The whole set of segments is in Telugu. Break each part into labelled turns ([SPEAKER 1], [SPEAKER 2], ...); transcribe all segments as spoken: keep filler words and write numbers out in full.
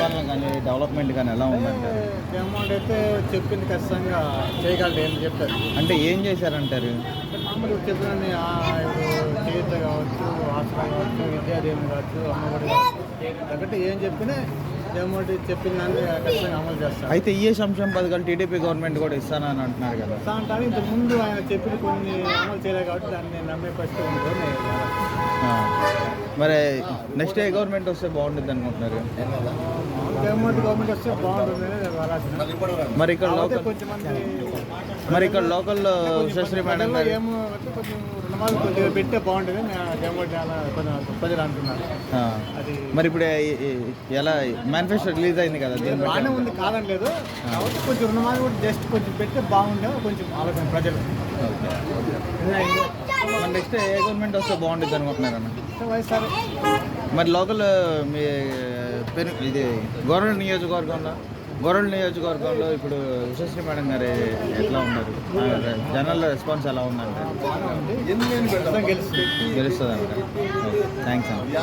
[SPEAKER 1] పరిపాలన కానీ డెవలప్మెంట్ కానీ ఎలా ఉందంటారు?
[SPEAKER 2] అమౌంట్ అయితే చెప్పింది ఖచ్చితంగా చేయగలరు ఏం చెప్తారు
[SPEAKER 1] అంటే ఏం చేశారంటారు?
[SPEAKER 2] మామూలు చెప్పిన ఇప్పుడు చేత కావచ్చు, హాస్టల్ కావచ్చు, విద్యాదీవెన కావచ్చు, అమ్మఒడి కావచ్చు, తగ్గట్టు ఏం చెప్పినా అమౌంట్ చెప్పిన దాన్ని ఖచ్చితంగా అమలు చేస్తారు.
[SPEAKER 1] అయితే ఈ సంక్షేమ పథకాలు టీడీపీ గవర్నమెంట్ కూడా ఇస్తానని అంటున్నారు కదా.
[SPEAKER 2] ఇస్తా అంటారు. ఇంతకు ముందు ఆయన చెప్పిన కొన్ని అమలు చేయలేదు కాబట్టి దాన్ని నమ్మే పరిస్థితి ఉంటుంది.
[SPEAKER 1] మరి నెక్స్ట్ ఏ గవర్నమెంట్ వస్తే బాగుంటుంది అనుకుంటున్నారు?
[SPEAKER 2] గవర్నమెంట్ గవర్నమెంట్ వస్తే బాగుంటుంది అనేది.
[SPEAKER 1] మరి ఇక్కడ లోకల్
[SPEAKER 2] కొంచెం మంది
[SPEAKER 1] మరి ఇక్కడ లోకల్లో శశ్రీ మేడం గారు
[SPEAKER 2] ఏమో కొంచెం రుణమాలు కొద్దిగా పెట్టే బాగుంటుంది గవర్నమెంట్ అలా కొంచెం ప్రజలు అంటున్నారు. అది
[SPEAKER 1] మరి ఇప్పుడు ఎలా మేనిఫెస్టో రిలీజ్ అయింది కదా, దీని
[SPEAKER 2] బాగానే ఉంది కాదనలేదు. కాబట్టి కొంచెం రుణమాలు కూడా జస్ట్ కొంచెం పెడితే బాగుండే కొంచెం ఆలోచన ప్రజలు.
[SPEAKER 1] మరి నెక్స్ట్ ఏ గవర్నమెంట్ వస్తే బాగుంటుంది అనుకుంటున్నారన్న?
[SPEAKER 2] వైఎస్ఆర్
[SPEAKER 1] మరి లోకల్ మీ పెరు ఇది గవర్నమెంట్ నియోజకవర్గంలో గవర్నమెంట్ నియోజకవర్గంలో ఇప్పుడు ఉషశ్రీ మేడం గారు ఎట్లా ఉన్నారు? జనాల రెస్పాన్స్ ఎలా ఉందంటే గెలుస్తుంది అంట. థ్యాంక్స్ అన్న.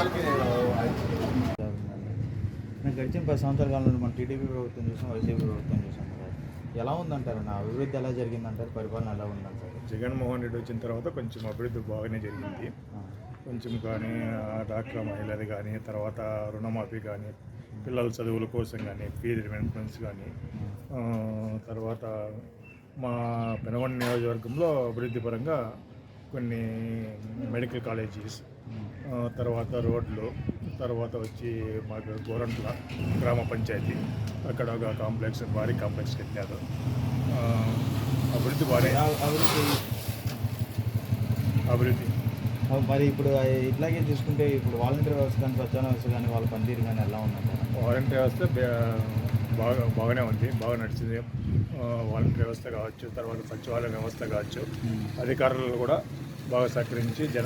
[SPEAKER 1] నేను గడిచిన పది సంవత్సరాల కాలంలో మనం టీడీపీ ప్రభుత్వం చూసాం, వైసీపీ ప్రభుత్వం చూసాం కదా. ఎలా ఉందంటారు? నా అభివృద్ధి ఎలా జరిగిందంటారు? పరిపాలన ఎలా ఉందంటారు?
[SPEAKER 3] జగన్మోహన్ రెడ్డి వచ్చిన తర్వాత కొంచెం అభివృద్ధి బాగానే జరిగింది. కొంచెం కానీ డాక్టర్ మహిళలు కానీ, తర్వాత రుణమాఫీ కానీ, పిల్లల చదువుల కోసం కానీ, ఫీజు రిమెంట్మెంట్స్ కానీ, తర్వాత మా పెనగొండ నియోజకవర్గంలో అభివృద్ధి పరంగా కొన్ని మెడికల్ కాలేజీస్, తర్వాత రోడ్లు, తర్వాత వచ్చి మాకు గోరంట్ల గ్రామ పంచాయతీ అక్కడ ఒక కాంప్లెక్స్ భారీ కాంప్లెక్స్ కట్టారు. అభివృద్ధి బాగా
[SPEAKER 1] అభివృద్ధి
[SPEAKER 3] అభివృద్ధి
[SPEAKER 1] మరి ఇప్పుడు ఇట్లాగే చూసుకుంటే ఇప్పుడు వాలంటీర్ వ్యవస్థ కానీ, స్వచ్ఛంద వ్యవస్థ కానీ, వాళ్ళ పనితీరు కానీ ఎలా ఉందంటారు?
[SPEAKER 3] వాలంటీర్ వ్యవస్థ బాగా బాగానే ఉంది, బాగా నడిచింది. వాలంటీర్ వ్యవస్థ కావచ్చు, తర్వాత సచివాలయ వ్యవస్థ కావచ్చు, అధికారులు కూడా బాగా సహకరించి జన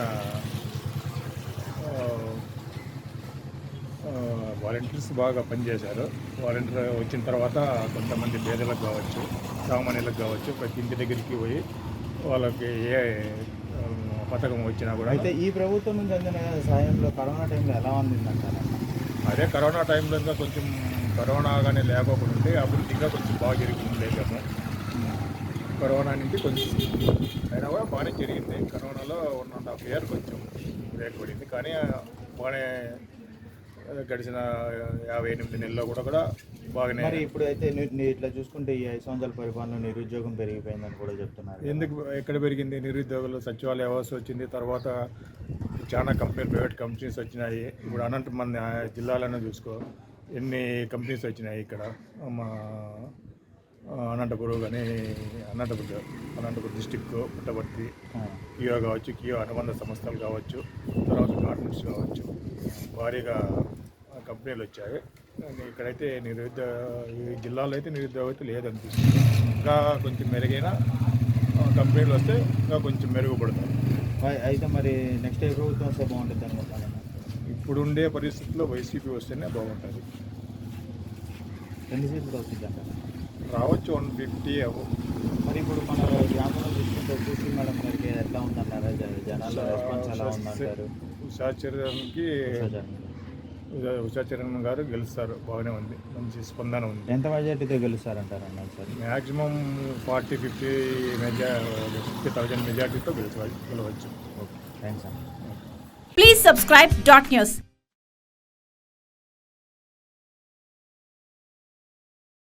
[SPEAKER 3] వాలంటీర్స్ బాగా పనిచేశారు. వాలంటీర్ వచ్చిన తర్వాత కొంతమంది పేదలకు కావచ్చు, సామాన్యులకు కావచ్చు, ప్రతి ఇంటి దగ్గరికి పోయి వాళ్ళకి ఏ పథకం వచ్చినా కూడా.
[SPEAKER 1] అయితే ఈ ప్రభుత్వం నుంచి అందిన సాయంలో కరోనా టైంలో ఎలా అందిందంటారు?
[SPEAKER 3] అదే కరోనా టైంలో ఇంకా కొంచెం కరోనా కానీ లేకపోకుండా ఉంటే అభివృద్ధి ఇంకా కొంచెం బాగా జరిగింది. లేకేమో కరోనా నుంచి కొంచెం అయినా కూడా బాగానే జరిగింది. కరోనాలో వన్ అండ్ హాఫ్ ఇయర్ కొంచెం బ్రేక్ పడింది, కానీ బాగానే గడిచిన యాభై ఎనిమిది నెలల్లో కూడా కూడా బాగానే.
[SPEAKER 1] మరి ఇప్పుడు అయితే ఇట్లా చూసుకుంటే ఈ ఐదు సంవత్సరాల పరిపాలన నిరుద్యోగం పెరిగిపోయిందని కూడా చెప్తున్నారు.
[SPEAKER 3] ఎందుకు ఎక్కడ పెరిగింది? నిరుద్యోగులు, సచివాలయ వ్యవస్థ వచ్చింది, తర్వాత చాలా కంపెనీలు, ప్రైవేట్ కంపెనీస్ వచ్చినాయి. ఇప్పుడు అనంత మన జిల్లాలోనే చూసుకో ఎన్ని కంపెనీస్ వచ్చినాయి. ఇక్కడ మా అనంతపురం కానీ అనంతపురం అనంతపురం డిస్టిక్ పుట్టపర్తి, కియో కావచ్చు, కియో అనుబంధ సంస్థలు కావచ్చు, తర్వాత గార్మెంట్స్ కావచ్చు, భారీగా కంపెనీలు వచ్చాయి. ఇక్కడైతే నిరుద్యోగ ఈ జిల్లాలో అయితే నిరుద్యోగం అయితే లేదనిపిస్తుంది. ఇంకా కొంచెం మెరుగైన కంపెనీలు వస్తే ఇంకా కొంచెం మెరుగుపడతాయి.
[SPEAKER 1] అయితే మరి నెక్స్ట్ ఏ ప్రభుత్వం వస్తే బాగుంటుంది అనుకుంటాను?
[SPEAKER 3] ఇప్పుడుండే పరిస్థితుల్లో వైసీపీ వస్తేనే బాగుంటుంది.
[SPEAKER 1] ఎన్ని సీట్లు వస్తుందంట?
[SPEAKER 3] రావచ్చు వన్ ఫిఫ్టీ అవ్వ.
[SPEAKER 1] మరి ఇప్పుడు మన గ్రామంలో చూసుకుంటే చూసి మేడం గారికి ఎట్లా ఉందన్నారు? జనాల రెస్పాన్స్ ఎలా ఉందంటారు?
[SPEAKER 3] ఉషా చరణ్కి ఉషా చరణ్ గారు గెలుస్తారు, బాగానే ఉంది, మంచి స్పందన ఉంది.
[SPEAKER 1] ఎంత మెజార్టీతో గెలుస్తారంటారు అన్నారు సార్?
[SPEAKER 3] మ్యాక్సిమం ఫార్టీ ఫిఫ్టీ మెజా ఫిఫ్టీ థౌజండ్ మెజార్టీతో గెలుచవచ్చు గెలవచ్చు.
[SPEAKER 1] ఓకే, థ్యాంక్స్ అండి.
[SPEAKER 4] Please subscribe dot news.